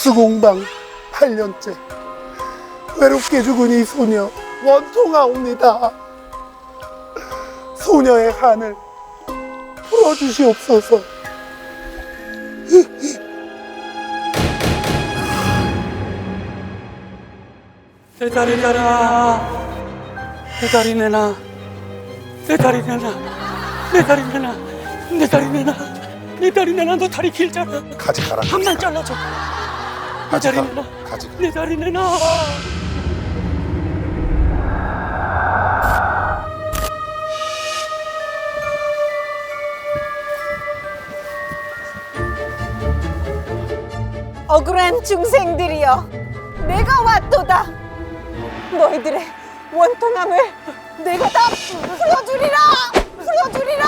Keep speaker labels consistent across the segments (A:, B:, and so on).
A: 특수공방 8년째 외롭게 죽은 이 소녀 원통하옵니다. 소녀의 한을 풀어주시옵소서.
B: 내 다리 내놔. 내 다리 내놔. 내 다리 내놔. 내 다리 내놔. 내 다리 내놔. 내 다리 내놔. 너 다리 길잖아.
A: 가지 가라.
B: 한만 잘라줘. 내
A: 가지
B: 다리
A: 가.
B: 내놔.
A: 가지.
B: 내 다리 내놔.
C: 억울한 중생들이여, 내가 왔도다. 너희들의 원통함을 내가 다 풀어주리라. 풀어주리라.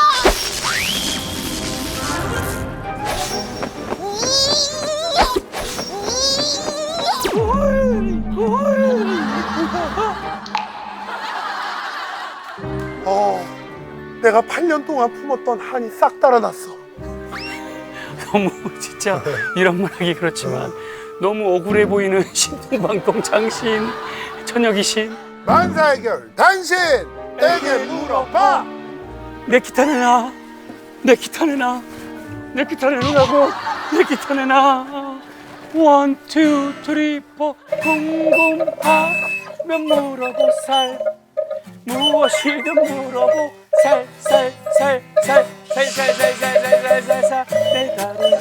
A: 내가 8년 동안 품었던 한이 싹 달아났어.
B: 너무 진짜 이런 말 하기 그렇지만 너무 억울해 보이는 신동방동 장신 천여귀신.
A: 만사해결 당신에게 물어봐.
B: 내 기타 내놔. 내 기타 내놔. 내 기타 내놓으라고. 내 기타 내놔. 원, 투, 쓰리, 포. 궁금하면 물어보살. 무엇이든 물어보. 살. 내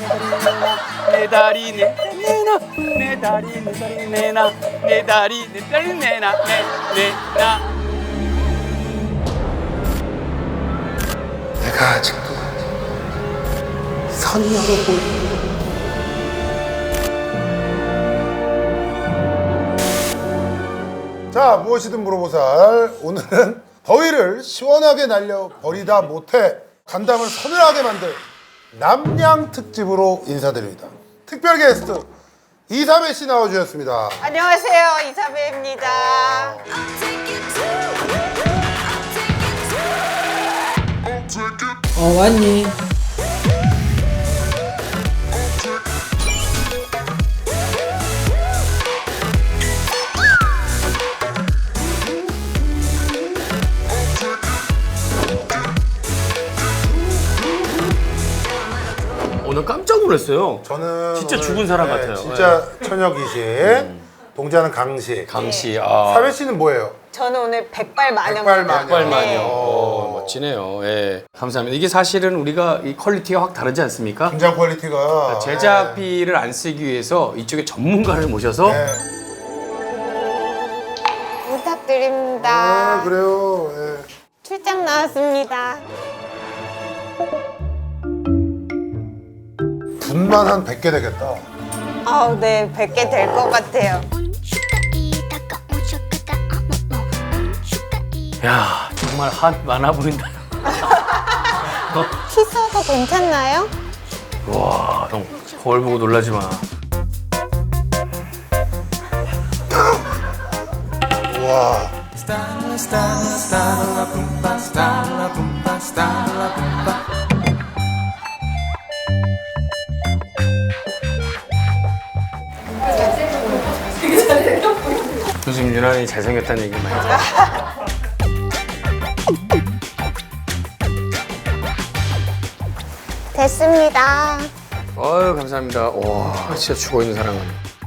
B: 다리 내놔. 내 다리 내놔. 내 다리 내놔. 내놔.
A: 내가 아직도 선녀로 보이는 자, 무엇이든 물어보살. 오늘은 더위를 시원하게 날려 버리다 못해 간담을 서늘하게 만들 남양 특집으로 인사드립니다. 특별 게스트 이사배 씨 나와주셨습니다.
C: 안녕하세요, 이사배입니다.
D: 왔니?
B: 오늘 깜짝 놀랐어요.
A: 저는
B: 진짜
A: 오늘,
B: 죽은 사람 같아요.
A: 진짜 처녀 귀신, 동자는 강씨.
B: 강씨.
A: 사배 씨는 뭐예요?
C: 저는 오늘 백발마녀.
B: 백발만요. 멋지네요. 예. 감사합니다. 이게 사실은 우리가 이 퀄리티가 확 다르지 않습니까?
A: 분장 퀄리티가
B: 제작비를 안 쓰기 위해서 이쪽에 전문가를 모셔서
A: 네.
C: 부탁드립니다.
A: 그래요. 예.
C: 출장 나왔습니다.
A: 분만 한 100개 되겠다.
C: 네, 100개 될 것 같아요.
B: 야, 정말 한 많아 보인다.
C: 키스도 괜찮나요?
B: 와, 형 거울 보고 놀라지 마.
A: 와.
B: 요즘 유난히 잘생겼다는 얘기 많이 들어요.
C: 됐습니다.
B: 아유, 감사합니다. 와, 진짜 죽어있는 사랑은.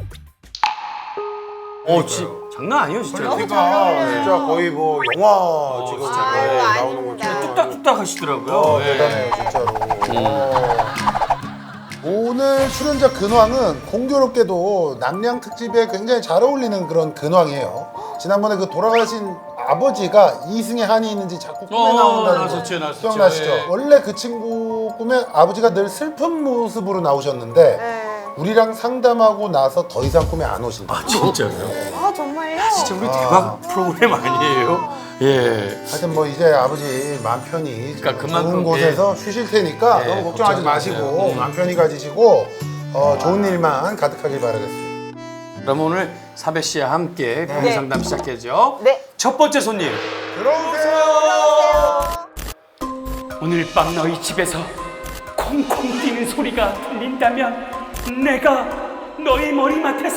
B: 장난 아니에요, 진짜.
A: 퀄리티가 진짜 거의 뭐 영화 지금
C: 아유,
A: 나오는
C: 아닙니다.
A: 것처럼.
B: 뚝딱뚝딱 하시더라고요. 예.
A: 대단해요 진짜로. 오늘 출연자 근황은 공교롭게도 남양 특집에 굉장히 잘 어울리는 그런 근황이에요. 지난번에 그 돌아가신 아버지가 이승에 한이 있는지 자꾸 꿈에 나온다는 거
B: 나왔었죠.
A: 기억나시죠?
B: 예.
A: 원래 그 친구 꿈에 아버지가 늘 슬픈 모습으로 나오셨는데
C: 네.
A: 우리랑 상담하고 나서 더 이상 꿈에 안 오신다.
B: 아, 진짜요?
C: 정말요?
B: 진짜 우리 대박 프로그램 아니에요? 예.
A: 하여튼 뭐 이제 아버지 마음 편히
B: 그러니까 그만큼,
A: 좋은 곳에서 쉬실 테니까
B: 예,
A: 너무 걱정하지
B: 걱정하지
A: 마시고
B: 마세요.
A: 마음 편히 가지시고 좋은 일만 가득하길 바라겠습니다.
B: 그럼 오늘 사배 씨와 함께 고민
C: 네.
B: 상담 시작해죠.
C: 네.
B: 첫 번째 손님.
A: 들어오세요.
B: 오늘 밤 너희 집에서 콩콩 뛰는 소리가 들린다면 너의 머리맡에서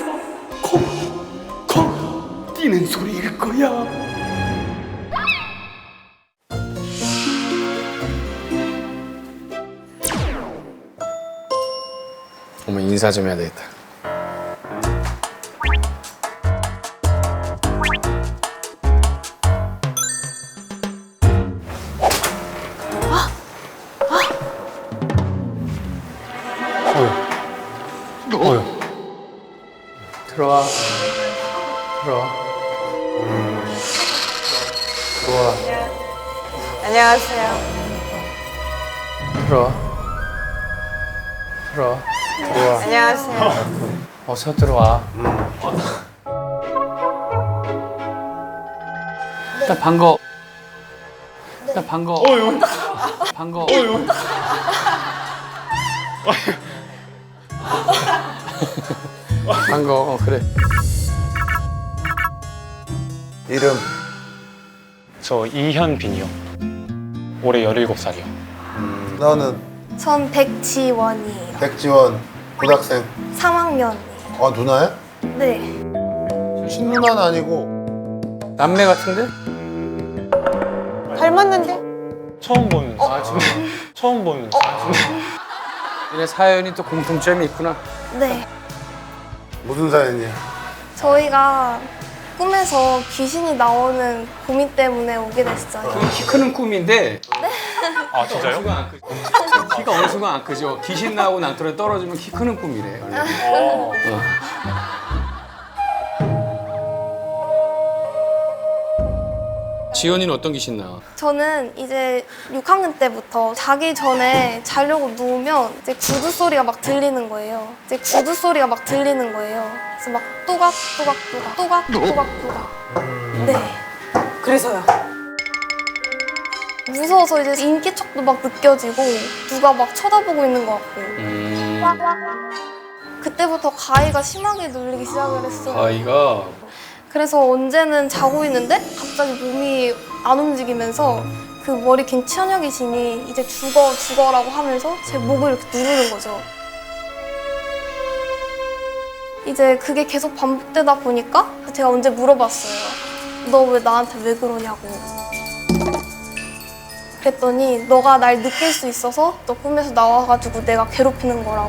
B: 콩콩 뛰는 소리일 거야.
D: 어머 인사 좀 해야 되겠다. 들어와. 들어와. 들어와.
C: 안녕하세요.
D: 들어와. 들어와. 들어와.
C: 안녕하세요.
D: 어서 들어와. 일단 반가워. 일단 반가워. 반가워. 반가워. 그래.
A: 이름
E: 저 이현빈이요. 올해 17살이요.
A: 너는
F: 전 백지원이에요.
A: 백지원 고등학생.
F: 3학년이에요.
A: 아 누나야?
F: 네.
A: 친누나는 아니고.
D: 남매 같은데?
C: 닮았는데?
E: 처음 보는 처음 보는
D: 얘네 사연이 또 공통점이 있구나.
F: 네.
A: 무슨 사연이야?
F: 저희가 꿈에서 귀신이 나오는 고민 때문에 오게 됐어요.
D: 키 크는 꿈인데
E: 아 진짜요?
D: 키가 어느 순간 안 크죠. 귀신 나오고 낭떠러지 떨어지면 키 크는 꿈이래. 지연이는 어떤 귀신 나와?
F: 저는 이제 6학년 때부터 자기 전에 자려고 누우면 이제 구두 소리가 막 들리는 거예요. 이제 구두 소리가 막 들리는 거예요. 그래서 막 또각또각또각 또각또각또각. 네.
C: 그래서요.
F: 무서워서 이제 인기척도 막 느껴지고 누가 막 쳐다보고 있는 것 같고. 그때부터 가위가 심하게 눌리기 시작을 했어요.
D: 아이가
F: 그래서 언제는 자고 있는데 갑자기 몸이 안 움직이면서 그 머리 긴 처녀 귀신이 이제 죽어라고 하면서 제 목을 이렇게 누르는 거죠. 이제 그게 계속 반복되다 보니까 제가 언제 물어봤어요. 너 왜 나한테 왜 그러냐고. 그랬더니 너가 날 느낄 수 있어서 너 꿈에서 나와가지고 내가 괴롭히는 거라고.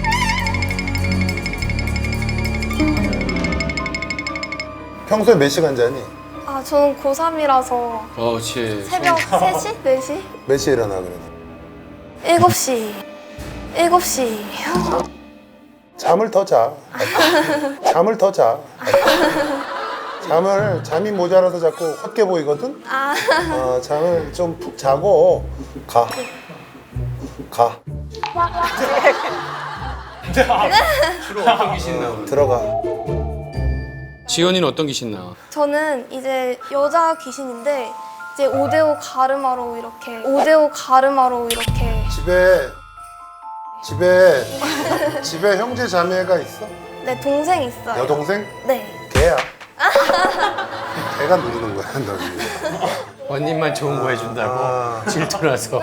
A: 평소에 몇 시간 자니?
F: 아, 저는 고3이라서
D: 그렇지.
F: 새벽 3시? 4시?
A: 몇 시에 일어나 그래도?
F: 7시. 7시.
A: 잠을 더 자. 잠을 더 자. 잠이 모자라서 자꾸 헛게 보이거든?
F: 아,
A: 잠을 좀 푹 자고 가.
D: 주로 어떤 귀신 나와?
A: 들어가.
D: 지연이는 어떤 귀신 나와?
F: 저는 이제 여자 귀신인데 이제 5대5 가르마로 이렇게
A: 집에 형제 자매가 있어?
F: 네, 동생 있어요.
A: 여동생?
F: 네.
A: 걔야. 걔가 누르는 거야, 너 지금.
D: 언니만 좋은 거 해준다고
A: 아.
D: 질투나서.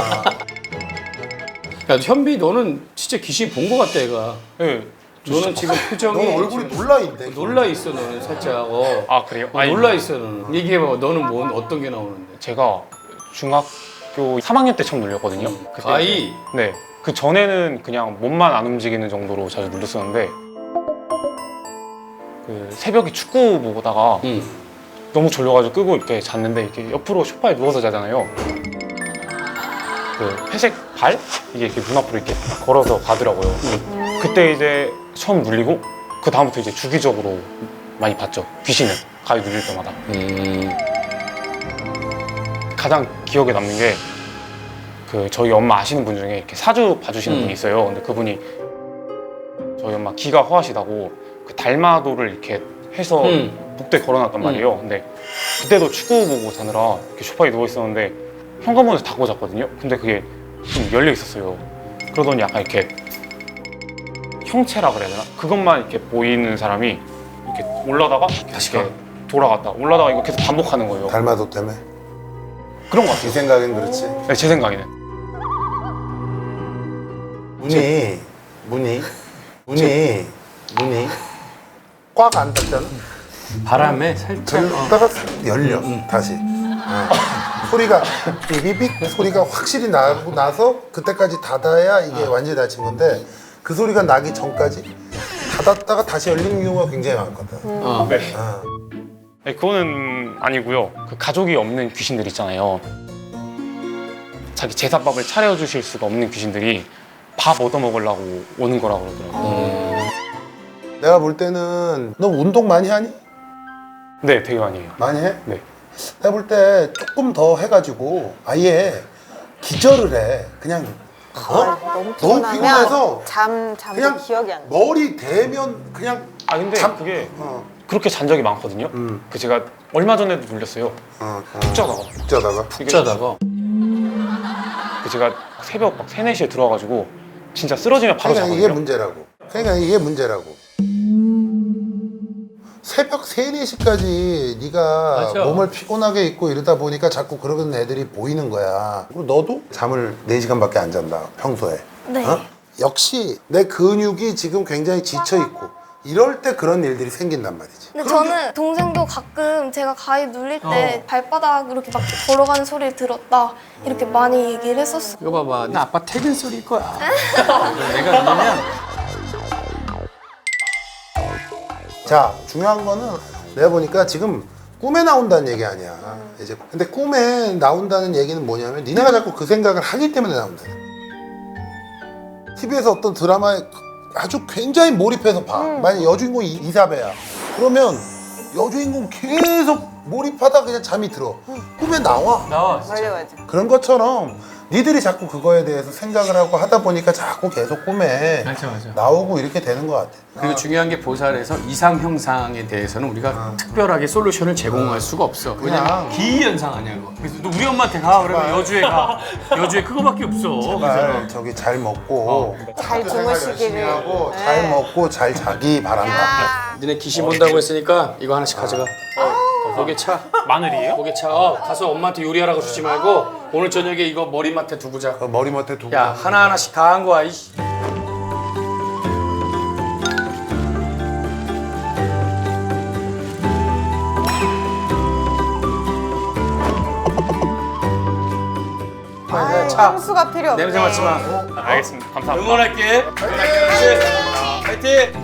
D: 야 현비 너는 진짜 귀신 본 거 같다 얘가.
E: 네.
D: 너는 지금
A: 너
D: 표정이
A: 얼굴이 놀라있네.
D: 놀라 있어 너는 살짝.
E: 아 그래요?
D: 놀라 있어 너는. 얘기해봐. 너는 어떤 게 나오는데?
E: 제가 중학교 3학년 때 처음 눌렸거든요. 그때
D: 가위.
E: 네. 그 전에는 그냥 몸만 안 움직이는 정도로 자주 눌렸었는데 그 새벽에 축구 보다가
D: 응.
E: 너무 졸려가지고 끄고 이렇게 잤는데 이렇게 옆으로 소파에 누워서 자잖아요. 그 회색 발 이게 이렇게 눈앞으로 이렇게 걸어서 가더라고요. 그때 이제 처음 눌리고 그 다음부터 이제 주기적으로 많이 봤죠. 귀신을 가위 눌릴 때마다. 가장 기억에 남는 게 그 저희 엄마 아시는 분 중에 이렇게 사주 봐주시는 분이 있어요. 근데 그분이 저희 엄마 기가 허하시다고 그 달마도를 이렇게 해서 복도에 걸어놨단 말이에요. 근데 그때도 축구 보고 자느라 이렇게 소파에 누워 있었는데 현관문을 닫고 잤거든요. 근데 그게 좀 열려 있었어요. 그러더니 약간 이렇게 형체라 그래야 되나? 그것만 이렇게 보이는 사람이 이렇게 올라다가 다시 이렇게 돌아갔다 올라다가 이거 계속 반복하는 거예요.
A: 달마도 때문에?
E: 그런 것
A: 네
E: 같아요.
A: 생각엔 그렇지.
E: 네, 제 생각에는.
A: 문이 문이 꽉 안 닫잖아.
D: 바람에 살짝
A: 그러다가 열려 다시. 소리가 삐삐삐 소리가 확실히 나고 나서 그때까지 닫아야 이게 완전히 닫힌 건데 그 소리가 나기 전까지 닫았다가 다시 열리는 경우가 굉장히 많거든.
E: 네. 네, 그거는 아니고요. 그 가족이 없는 귀신들 있잖아요. 자기 제사밥을 차려주실 수가 없는 귀신들이 밥 얻어먹으려고 오는 거라고 그러더라고요.
A: 내가 볼 때는 너 운동 많이 하니?
E: 네, 되게 많이 해요.
A: 많이 해?
E: 네.
A: 내가 볼 때 조금 더 해가지고 아예 기절을 해. 그냥
C: 너무
A: 너무
C: 피곤하면
A: 피곤해서
C: 잠도
A: 그냥
C: 기억이 안 나.
A: 머리 대면 그냥
E: 아 근데 그게 그렇게 잔 적이 많거든요. 그 제가 얼마 전에도 눌렸어요. 푹 자다가.
A: 푹 자다가
E: 이게
D: 짜다가
E: 그 제가 새벽 막 3, 4시에 들어와가지고 진짜 쓰러지면 바로
A: 그러니까
E: 자거든요.
A: 이게 문제라고. 그러니까 이게 문제라고. 새벽 3, 4시까지 네가
D: 맞아.
A: 몸을 피곤하게 있고 이러다 보니까 자꾸 그러는 애들이 보이는 거야. 그리고 너도 잠을 4시간밖에 안 잔다, 평소에.
F: 네.
A: 역시 내 근육이 지금 굉장히 지쳐 있고 이럴 때 그런 일들이 생긴단 말이지.
F: 근데 저는 동생도 가끔 제가 가위 눌릴 때 발바닥 이렇게 막 걸어가는 소리를 들었다 이렇게 많이 얘기를 했었어.
D: 이거 봐봐, 나 아빠 퇴근 소리일 거야. 내가 그러면
A: 자, 중요한 거는 내가 보니까 지금 꿈에 나온다는 얘기 아니야. 이제 근데 꿈에 나온다는 얘기는 뭐냐면 니네가 자꾸 그 생각을 하기 때문에 나온다. TV에서 어떤 드라마에 아주 굉장히 몰입해서 봐. 만약 여주인공이 이사배야. 그러면 여주인공 계속 몰입하다 그냥 잠이 들어. 꿈에 나와.
C: 맞아.
A: 그런 것처럼 니들이 자꾸 그거에 대해서 생각을 하고 하다 보니까 자꾸 계속 꿈에
D: 맞아.
A: 나오고 이렇게 되는 것 같아.
D: 그리고 중요한 게 보살에서 이상 형상에 대해서는 우리가 특별하게 솔루션을 제공할 수가 없어. 왜냐면 기이현상 아니야 이거. 그래서 너 우리 엄마한테 가 그러면 여주에 가. 여주에 그거밖에 없어.
A: 제발 저기 잘 먹고
C: 잘
A: 학교 생활 열심히
C: 주무시기를.
A: 하고
C: 네.
A: 잘 먹고 잘 자기 바란다.
D: 니네 귀신 본다고 했으니까 이거 하나씩 가져가. 고개 차.
E: 마늘이에요?
D: 고개 차. 가서 엄마한테 요리하라고 주지 말고 오늘 저녁에 이거 머리맡에 두고 자.
A: 그 머리맡에 두고.
D: 야 하나하나씩 다 한 거야. 이씨. 차.
C: 향수가 필요 없네.
D: 냄새 맡지 마.
E: 알겠습니다. 감사합니다.
D: 응원할게. 파이팅.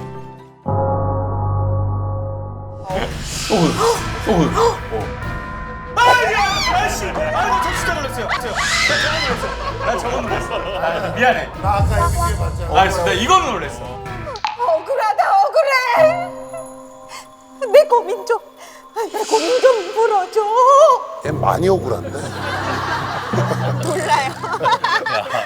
B: 미안해.
A: 나 아까 이렇게 봤잖아.
B: 알겠습니다. 이거는 놀랬어.
C: 억울하다 억울해. 내 고민 좀 풀어줘.
A: 얘 많이 억울한데.
C: 몰라요.